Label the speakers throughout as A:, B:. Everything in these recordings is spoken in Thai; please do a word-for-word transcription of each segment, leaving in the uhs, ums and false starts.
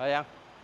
A: ไปยัง
B: ไป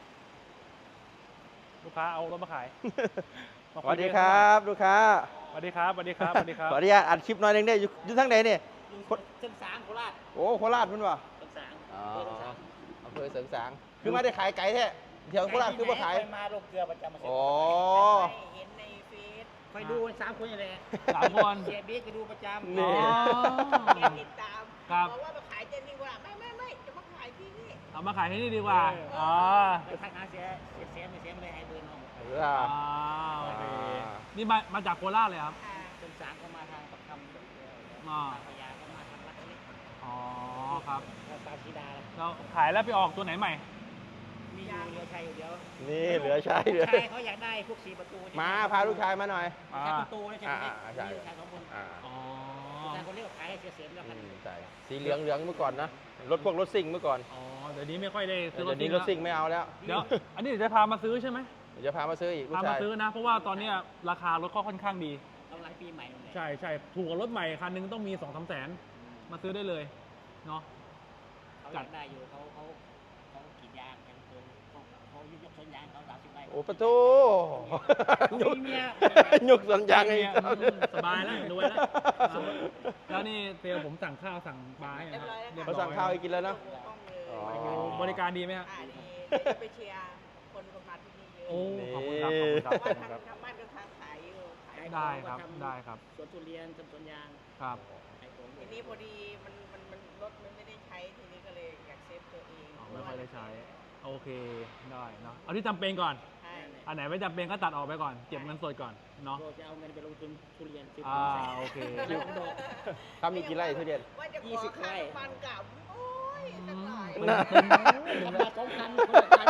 B: ลูกค้าเอารถมาขาย
A: สวัสดีครับลูกค้า
B: สวัสดีครับสวัสดีครับสวัสดีครับ
A: ขออนุญาตอัดคลิปหน่อยหนึงได้อยู่อยู่ทั้งไหนเนี่ย
C: เส้นสางโคราช
A: โอ้โคราชมันวะ
C: เส้นสาง
A: อ๋อ
C: เส้นสาง
A: อำเภอเสริงสางคือไม่ได้ขายไก่แท้เที่ยวโคราชคือมาขาย
C: ไปมาลงเกลือประจำมาเสร็จ
A: อ๋อ
C: เห็นในเฟซคอยดูสามคนอย่างไร
B: สามคน
C: เสียบิ๊กก็ดูประจำ
A: นี่
B: อ๋อ
D: แกติดตาม
B: ครับ
D: บอกว่ามาขายเจนนี่ว่าไม่ไม่ไม่จะมาขายที่นี่
B: เอามาขายที่นี่ดีกว่าอ๋อ
C: ไปทักหาเสียเสียเสียไม่เสียไม่ได้ให้เบอร์น้อง
A: เอ
B: อ่า
A: อ
B: โอเค
A: อ่า
B: นี่มามาจากโคราชเลยครับ
D: อ่า
C: เส้นสางเขามาทางปักคำ
B: อ๋อ
C: พยาเขามาทางรัตเล็ก
B: อ๋อครับ
C: ปาชีดา
B: เราขายแล้วไปออกตัวไหนใหม่
C: มีอยู่เรือชัยอยู่เดียว
A: นี่เหลือใช้เหลือ
C: ชายเขาอยากได้พวกสีประตู
A: มาพาลูกชายมาหน่อย
B: อ่า
C: ชายประตูนะใช่ไหม
A: อ่าใช่
C: มีลูกชายสองคน
A: อ่า
B: อ๋อ
C: ลูกชายคนเรียกว่าขายให้เสียเสียแล้ว
A: อื
C: กัน
A: มใช่สีเหลืองเหลืองเมื่อก่อนนะรถพวกรถซิ่งเมื่อก่อน
B: อ๋อเดี๋ยวนี้ไม่ค่อยได้ซื้อร
A: เดี๋
B: ถ
A: ยวนี้รถซิ่งไม่เอาแล้ว
B: เดี๋ยวอันนี้เดี๋ยวจะพามาซื้อใช่ไหม
A: เดี๋ยวจะพามาซื้ออีกลูก
B: พามา
A: ชาย
B: ซื้อนะ เพราะว่าตอนเนี้ยราคารถก็ค่อนข้างดี
C: เอาหลายปีใหม่เลย
B: ใช่ใช่ถูกกว่ารถใหม่คันหนึงต้องมีสองสามแสนมาซื้อได้เลยเนาะ
C: เขาอยากได้อยู่เขาเขาเขากรีดยางกันเกินเขาเขายกสวนยางเขาสามสิบไร่
A: โอ้ประตู
C: เขามีเมีย
A: ยกสัญญาณไง
B: เนี่ยอืมสบายแล้วรวยแล้วอ่ะแล้วนี่เซลลผมสั่งข้าวสั่งปลาให้นะ
D: เรียบร้อยแล้ว
A: เขาสั่งข้าวให้กินแล้วเนอะ
D: ดูห้องเลย
A: อ๋อ
B: โอ้บริการดีไหมฮะ
D: อ่าดีเดี๋ยวจะไปเชียร์คนคนมาที่นี่เยอะ
B: โอ้ขอบคุณครับขอบคุณครับ
D: เพ
B: ขอบ
D: ราะ
B: คุณ
D: ว่า
B: ครับ
D: ทางทางบ้านก็ทางขายอยู่ขาย
B: ได้ครับได้ครับ
C: สวนทุเรียนสวนยาง
B: ครับ
C: ขายของ
D: ทีนี้พอดีมันมันมันรถมันไม่ได้ใช้ทีนี้ก็เลยอยากเซฟตัวเอง
B: อ๋อไม่ค่อยได้ใช้โอเคได้เนาะเอาที่จำเป็นก่อน
D: ใช่
B: อันไหนไม่จำเป็นก็ตัดออกไปก่อนเก็บเงินสดก่อนเนาะ
C: เราจะเอาเงินไปลงทุนทุเรียนซื้อ
B: อ่า
C: ใส่
B: โอเค
C: เดี๋ยวผมบอก
A: ทำมีกี่ไร่ทุเรียน
D: ว่าจะข
C: ยี่
D: อ
C: สิบ
D: ค่า
C: ไร่
D: ฟันกับโอ้ยสักหน่อย
B: อืม
A: น่ะ
C: ทำมาสองพันคนละพัน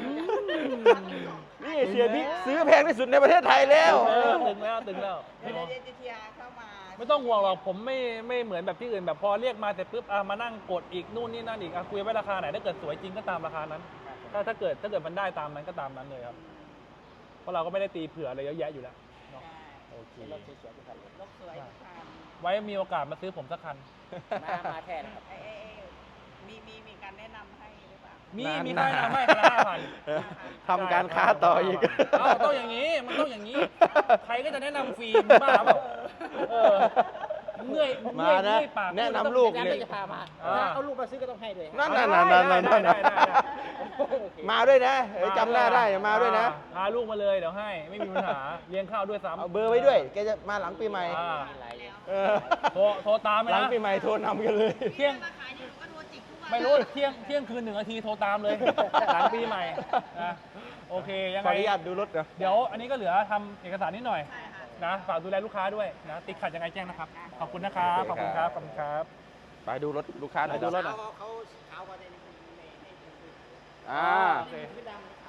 A: นี่เสียบิ๊กซื้อแพงที่สุดในประเทศไทยแล้ว
B: เออตึงแล้วตึงแล้ว
D: เดี๋ยวเดี๋ยวจะเชียร์เข้ามา
B: ไม่ต้องห่วงหรอกผมไม่ไม่เหมือนแบบที่อื่นแบบพอเรียกมาเสร็จปุ๊บอ่ะมานั่งกดอีกนู่นนี่นั่นอีกอ่ะคุยไว้ราคาไหนถ้าเกิดสวยจริงก็ตามราคานั้น ถ้าถ้าเกิดถ้าเกิดมันได้ตามนั้นก็ตามนั้นเลยครับเพราะเราก็ไม่ได้ตีเผื่ออะไรเยอะแยะอยู่แล้วเนาะ
D: ใช่
A: โอเค
C: รถสวยๆทุกคันเลย
D: รถสวยทุกคัน
B: ไว้มีโอกาสมาซื้อผมสักคัน
C: มามาแท้นะครับ
D: ไอ้ไอ้ไอ้มีมีมีการแนะนำให้หรือเปล่า
B: มี
A: นาน
B: มีค่า
A: นาน
B: ทำให้คันละห้าพัน
A: ทำการค้าต่ออีก
B: เอ้าต้องอย่างนี้มันต้องอย่างนี้ ใครก็จะแนะนำฟรีมึงบ้าเปล่าเออเมื่อยเมื่
A: มา
B: อย
A: นะ
B: เมื่อยปาก
A: แนะนำลูก
C: อาจาร
A: เนี่ย
C: ย์จะพามา
B: อ่า
C: เอาลูกมาซื้อก็ต้องให้ด้วย
A: นั่น
B: ได้
A: นั่นนั่นนั่นนั่น
B: ได้ได้ได้ได้
A: มาด้วยนะเอ้ยจำหน้าได้มาด้วยนะ
B: พาลูกมาเลยเดี๋ยวให้ไม่มีปัญหาเลี้ยงข้าวด้วยซ้ำ
A: เอาเบอร์ไว้ด้วย แกจะมาหลังปีใหม่
B: อ่า
C: มีหลายเลย
A: เออ
B: โทรโทรตามไป
A: หลัง
B: นะ
A: ปีใหม่โทรนำกันเลย
B: เที่ยง
D: มาขายอยู่ก็โทรจิกทุกวัน
B: ไม่รู้เที่ยงเที่ยงคืนหนึ่งนาทีโทรตามเลยหลังปีใหม่นะโอเคยัง
A: ขอ
B: ไง
A: อนุญาตดูรถนะ
B: เดี๋ยวอันนี้ก็เหลือทำเอกสารนิดหน่อย
D: ใช่ค่ะ
B: นะฝากดูแลลูกค้าด้วยนะติดขัดยังไงแจ้งนะครับขอบคุณนะครับขอบคุณครับขอบคุณครับ
A: ไปดูรถลูกค้าหน่อยดูรถหน่อย
C: เขาเขาเขาก็ในในใน
A: อ่า
B: โอเค
C: ไม่ดำเขา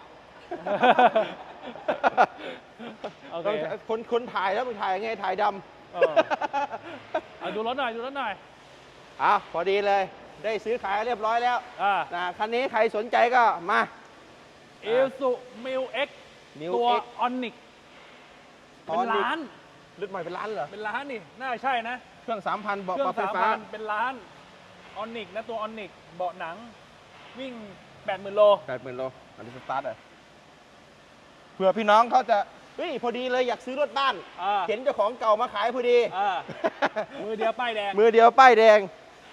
B: โอเค
A: ต้องคนคนถ่ายแล้วมึงถ่ายไงถ่ายด
B: เออเอาดูรถหน่อยดูรถหน่อย
A: ำอ่ะพอดีเลย ได้ซื้อขายเรียบร้อยแล้ว
B: อ่า
A: นะคันนี้ใครสนใจก็มา
B: เอลสุมิวเอ็ก
A: Mil
B: ตัว
A: X
B: ออนิกเป็น
A: Onyx
B: ล้าน
A: รุ่นใหม่เป็นล้านเหรอ
B: เป็นล้านนี่น่าใช่นะ
A: เครื่องสามพันเบาะ
B: เครื่
A: ป
B: อ
A: รั
B: ง
A: บไฟ
B: สาม
A: ฟ้า
B: พันเป็นล้านออนิกนะตัวออนิกเบาะหนังวิ่งแปดหมื่นโล
A: แปดหมื่นโลอันนี้สตาร์ทเลยเผื่อพี่น้องเขาจะเฮ้ยพอดีเลยอยากซื้อรถบ้าน
B: อ่า
A: เห็นเจ้าของเก่ามาขายพอดี
B: อ่ามือเดียวป้ายแดง
A: มือเดียวป้ายแดง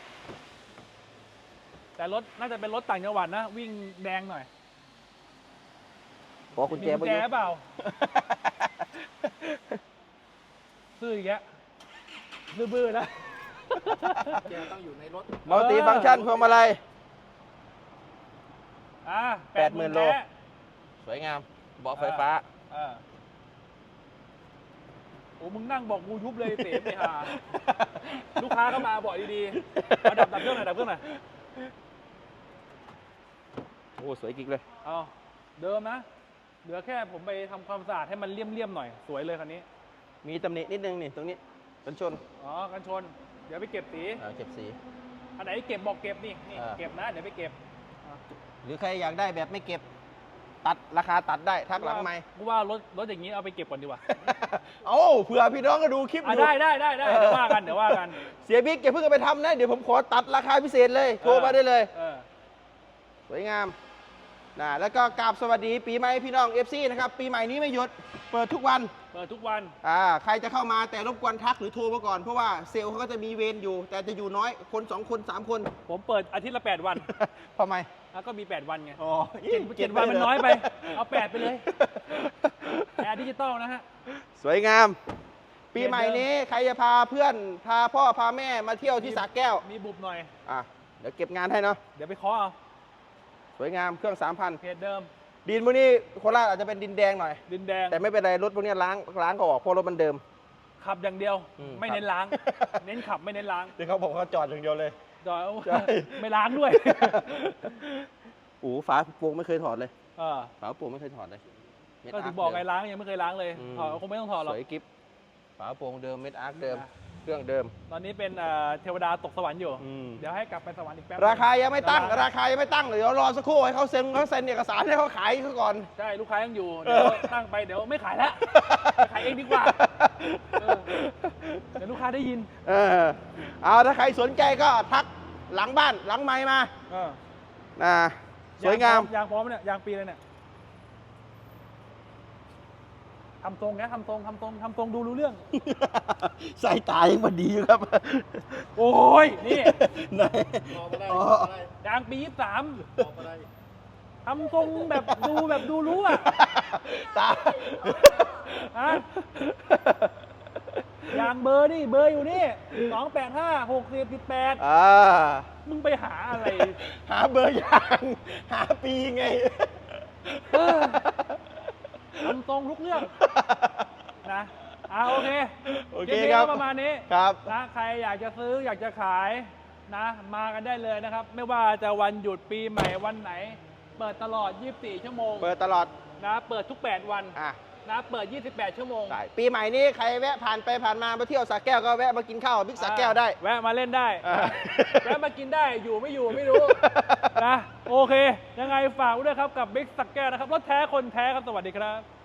B: แต่รถน่าจะเป็นรถต่างจังหวัดนะ วิ่งแดงหน่อย
A: ขอคุณแจ
B: มีกุญแจ
A: ประยุทธ์
B: เปล่าซื้ออีกแล้วบื้อๆนะ
C: แกต้องอยู่ในรถ
A: มัลติฟังก์ชันพวงมาลัย
B: อ่า
A: แปดหมื่นโล
B: แท้
A: สวยงามเบาะไฟฟ้า
B: อ่าโอ้มึงนั่งบอกกูยุบเลยเต๋ไปหาลูกค้าก็มาบอกดีๆเอาดับดับเครื่องหน่อยดับเครื่องหน่อย
A: โอ้สวยกิ๊กเลย
B: เอาเดิมนะ เหลือแค่ผมไปทำความสะอาดให้มันเลี่ยมๆหน่อย สวยเลยคันนี้
A: มีตำหนินิดนึงนี่ตรงนี้กันชน
B: อ๋อ กันชน เดี๋ยวไปเก็บสี
A: อ่าเก็บสี
B: อันไหนเก็บบอกเก็บนี่นี่
A: อ่า
B: เก็บนะ เดี๋ยวไปเก็บอ่ะ
A: หรือใครอยากได้แบบไม่เก็บ ตัดราคาตัดได้ทักหลังไม่
B: กูว่ารถรถอย่างนี้เอาไปเก็บก่อนดีกว่า
A: เอ้าเผื่อพี่น้องก็ดูคลิปอ
B: อ่ะ
A: ยู่
B: ได้ได้ได้ได้เดี๋ยวว่ากันเดี๋ยวว่ากัน
A: เสียบิ๊กอย่าเพิ่งเอาไปทำนะ เดี๋ยวผมขอตัดราคาพิเศษเลย โทรมาได้เลย
B: เออ
A: สวยงาม
B: ค
A: นะแล้วก็กราบสวัสดีปีใหม่พี่น้อง เอฟ ซี นะครับปีใหม่นี้ไม่หยุดเปิดทุกวัน
B: เปิดทุกวัน
A: อ่าใครจะเข้ามาแต่รบกวนทักหรือโทรมาก่อนเพราะว่าเซลล์เขาก็จะมีเวรอยู่ แต่จะอยู่น้อยคนสองคนสามคน
B: ผมเปิดอาทิตย์ละแปดวัน
A: ทำไม
B: แล้วก็มีแปดวันไง
A: อ๋อ
B: เจ็ดเจ็ดวันมันน้อยไป เอาแปดไปเลยแอร์ดิจิตอลนะฮะ
A: สวยงาม ปีใหม่นี้ใครจะพาเพื่อนพาพ่อพาแม่มาเที่ยวที่สระแก้ว
B: มีบุบหน่อย
A: อ่ะเดี๋ยวเก็บงานให้เนาะ
B: เดี๋ยวไปเคาะเอา
A: สวยงามเครื่องสามพัน
B: เพจเดิม
A: ดินพวกนี้โคราชอาจจะเป็นดินแดงหน่อย
B: ดินแดง
A: แต่ไม่เป็นไรรถพวกนี้ล้างล้างก็ออกเพราะรถมันเดิม
B: ขับอย่างเดียว
A: อืม
B: ไม่เน้นล้าง เน้นขับไม่เน้นล้าง
A: ที่เขาบอกเขาจอดอย่างเดียวเลย
B: จอย
A: ใช่
B: ไม่ล้างด้วย
A: โอ้ฝาโปร่งไม่เคยถอดเลย
B: เออ
A: ฝาโปร่งไม่เคยถอดเลยเม็ด
B: ก็ถึง
A: ร์
B: บอกไง
A: เดิม
B: ล้างยังไม่เคยล้างเลย
A: อืม
B: ถอดคงไม่ต้องถอดหรอก
A: สวยกิฟฝาโปร่งเดิมเม็ดอาร์คเดิม
B: นะ
A: เครื่องเดิม
B: ตอนนี้เป็นเอ่อเทวดาตกสวรรค์อยู่
A: อืม
B: เดี๋ยวให้กลับไปสวรรค์อีกแป๊บ
A: ราคายังไม่ตั้ง
B: เดี๋ยว
A: ราคายังไม่ตั้งเดี๋ยวรอสักครู่ให้เขาเซ็นเขาเซ็นเอกสารให้เขาขายเขาก่อน
B: ใช่ลูกค้ายังอยู่ เดี๋ยวตั้งไปเดี๋ยวไม่ขายแล้วไปขายเองดีกว่าเออเดี๋ยวลูกค้าได้ยิน
A: เออเอาถ้าใครสนใจก็ทักหลังบ้านหลังไม้มา
B: เออ
A: นะสวยงาม
B: ยางพร้อมเนี่ยยางปีเลยเนี่ยทำทรงนะทำทรงทำทรงทำทรงดูรู้เรื่อง
A: สายตายังพอดีอยู่ครับ
B: โอ้ยนี่
A: ไหน
C: บอกมาได้
A: อ๋อ
C: บอกมาได้
B: ยางปียี่สาม
C: บอกมาได้
B: ทำทรงแบบดูแบบดูรู้อ่ะ
A: ตา
B: ฮะยางเบอร์นี่เบอร์อยู่นี่สองแปดห้าหกสิบสิบแปด
A: อ่า
B: มึงไปหาอะไร
A: หาเบอร์ยาง หาปีไง
B: เออทำทรงทุกเรื่องนะอ่าโอเค
A: โอเค
B: ลิปนี้
A: ครับ
B: ก็ประมาณนี้
A: ครับ
B: นะใครอยากจะซื้ออยากจะขายนะ มากันได้เลยนะครับ ไม่ว่าจะวันหยุดปีใหม่วันไหน เปิดตลอด ยี่สิบสี่ ชั่วโมง
A: เปิดตลอด
B: นะ เปิดทุก แปด วัน
A: อ่ะ
B: นะ เปิด ยี่สิบแปด ชั่วโมง
A: ได้ปีใหม่นี้ใครแวะผ่านไปผ่านมามาเที่ยวสระแก้วก็แวะมากินข้าวบิ๊กสระแก้วได้
B: แวะมาเล่นได้
A: อ่า
B: แวะมากินได้อยู่ไม่อยู่ไม่รู้ นะ โอเค ยังไงฝากไว้ด้วยครับกับบิ๊กสักแก้วนะครับรถแท้คนแท้ครับ สวัสดีครับ